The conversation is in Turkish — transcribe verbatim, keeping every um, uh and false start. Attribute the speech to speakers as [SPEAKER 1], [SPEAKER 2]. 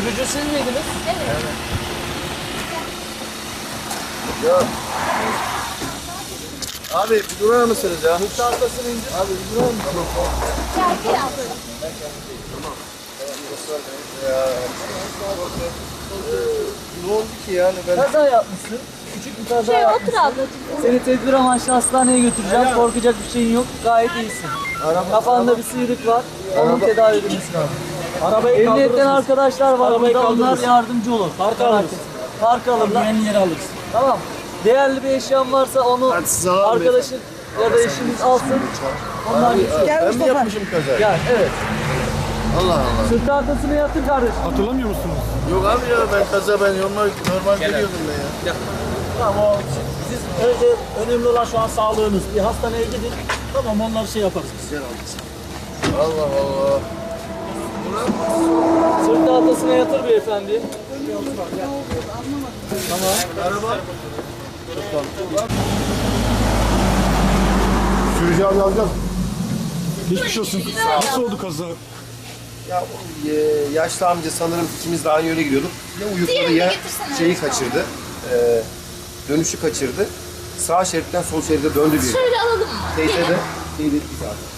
[SPEAKER 1] Gücü siz miydiniz?
[SPEAKER 2] Evet.
[SPEAKER 3] Ya. Abi bir durar mısınız ya?
[SPEAKER 1] Hıfta hastasını indir.
[SPEAKER 3] Abi bir durar mısınız?
[SPEAKER 2] Şarkı yap.
[SPEAKER 3] Ya. Ne oldu ki yani ben?
[SPEAKER 1] Kaza yapmışsın. Küçük bir kaza
[SPEAKER 2] Şey
[SPEAKER 1] yapmışsın.
[SPEAKER 2] otur ablacığım.
[SPEAKER 1] Seni tedbir amaçlı hastaneye götüreceğim. Korkacak bir şeyin yok. Gayet iyisin.
[SPEAKER 3] Araba,
[SPEAKER 1] Kafanda bir sıyrık var. Onun
[SPEAKER 3] Araba-
[SPEAKER 1] tedavi edilmesi lazım.
[SPEAKER 4] Arabayı
[SPEAKER 1] Emniyetten
[SPEAKER 4] kaldırırsınız.
[SPEAKER 1] arkadaşlar var
[SPEAKER 4] Arabayı
[SPEAKER 1] burada. Onlar
[SPEAKER 4] kaldırırız.
[SPEAKER 1] yardımcı olur.
[SPEAKER 4] Park
[SPEAKER 1] Merak
[SPEAKER 4] alırız.
[SPEAKER 1] etme. Park alırlar.
[SPEAKER 4] Güvenli yere alırız.
[SPEAKER 1] Tamam. Değerli bir eşyan varsa onu
[SPEAKER 3] Hadi siz alalım
[SPEAKER 1] arkadaşın ya da eşiniz alsın. Onlar
[SPEAKER 3] Abi,
[SPEAKER 1] gitsin.
[SPEAKER 3] ben mi yapmışım kaza?
[SPEAKER 1] Gel, evet.
[SPEAKER 3] Allah Allah.
[SPEAKER 1] Sırt arkasını yatır kardeşim.
[SPEAKER 4] Hatırlamıyor musunuz?
[SPEAKER 3] Yok abi ya ben kaza ben normal normal geliyordum ben ya.
[SPEAKER 4] Tamam o siz önce önemli olan şu an sağlığınız. Bir hastaneye gidin. Tamam onlar şey yaparız.
[SPEAKER 3] Allah Allah.
[SPEAKER 1] Sırt arkasına yatır beyefendi.
[SPEAKER 3] Araba.
[SPEAKER 5] Sürücü abi alacağız. Geçmiş olsun. Nasıl oldu kaza?
[SPEAKER 6] Ya o, e, yaşlı amca sanırım ikimiz de aynı yöne gidiyorduk. Ya uyukladı
[SPEAKER 2] Diğerini de
[SPEAKER 6] ya
[SPEAKER 2] getirsene.
[SPEAKER 6] şeyi kaçırdı. E, dönüşü kaçırdı. Sağ şeritten sol şeride döndü bir.
[SPEAKER 2] Şöyle alalım mı?
[SPEAKER 6] Teyze
[SPEAKER 2] Gelin.
[SPEAKER 6] de şey dedi ki zaten.